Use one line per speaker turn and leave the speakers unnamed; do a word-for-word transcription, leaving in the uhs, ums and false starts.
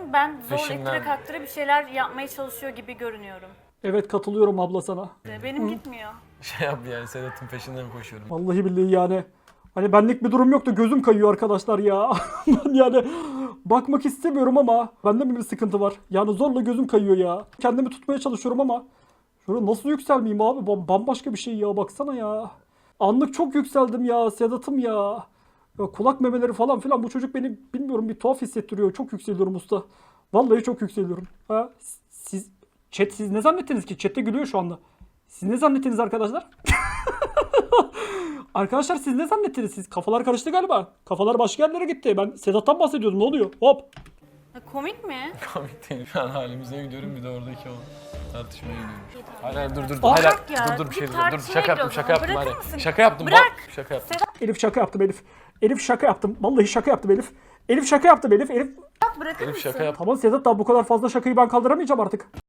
Ben zor
Peşinden.
ittire kaktıra bir şeyler yapmaya çalışıyor gibi görünüyorum.
Evet, katılıyorum abla sana.
Benim gitmiyor.
Şey yap yani Sedat'ın peşinden koşuyorum.
Vallahi billahi yani. Hani benlik bir durum yok da gözüm kayıyor arkadaşlar ya. Ben yani bakmak istemiyorum ama bende mi bir sıkıntı var? Yani zorla gözüm kayıyor ya. Kendimi tutmaya çalışıyorum ama şöyle nasıl yükselmeyeyim abi? Bam- Bambaşka bir şey ya, baksana ya. Anlık çok yükseldim ya Sedat'ım ya. Ya kulak memeleri falan filan, bu çocuk beni bilmiyorum bir tuhaf hissettiriyor. Çok yükseliyorum usta. Vallahi çok yükseliyorum. Ha, siz chat siz ne zannettiniz ki? Chat'te gülüyor şu anda. Siz ne zannettiniz arkadaşlar? Arkadaşlar siz ne zannettiniz? Siz kafalar karıştı galiba. Kafalar başka yerlere gitti. Ben Sedat'tan bahsediyordum. Ne oluyor? Hop.
Ya komik mi?
Komik değil. Şu an halimize gidiyorum bir de oradaki o tartışmaya gidiyorum. Hayır hayır dur dur.
Aa,
Hayır,
bırak
hayır,
ya,
dur dur bir
bir
şey dur. Dur
tartışmaya
şaka yaptım
gidiyoruz
şaka
ama.
yaptım
Bırakır
hadi.
mısın?
Şaka yaptım
Bırak.
bak. Şaka yaptım.
Elif şaka yaptım Elif. Elif şaka yaptım. Vallahi şaka yaptım Elif. Elif şaka yaptım Elif. Elif.
Bırakır
Elif
mısın?
şaka yaptım.
Tamam Sedat, daha bu kadar fazla şakayı ben kaldıramayacağım artık.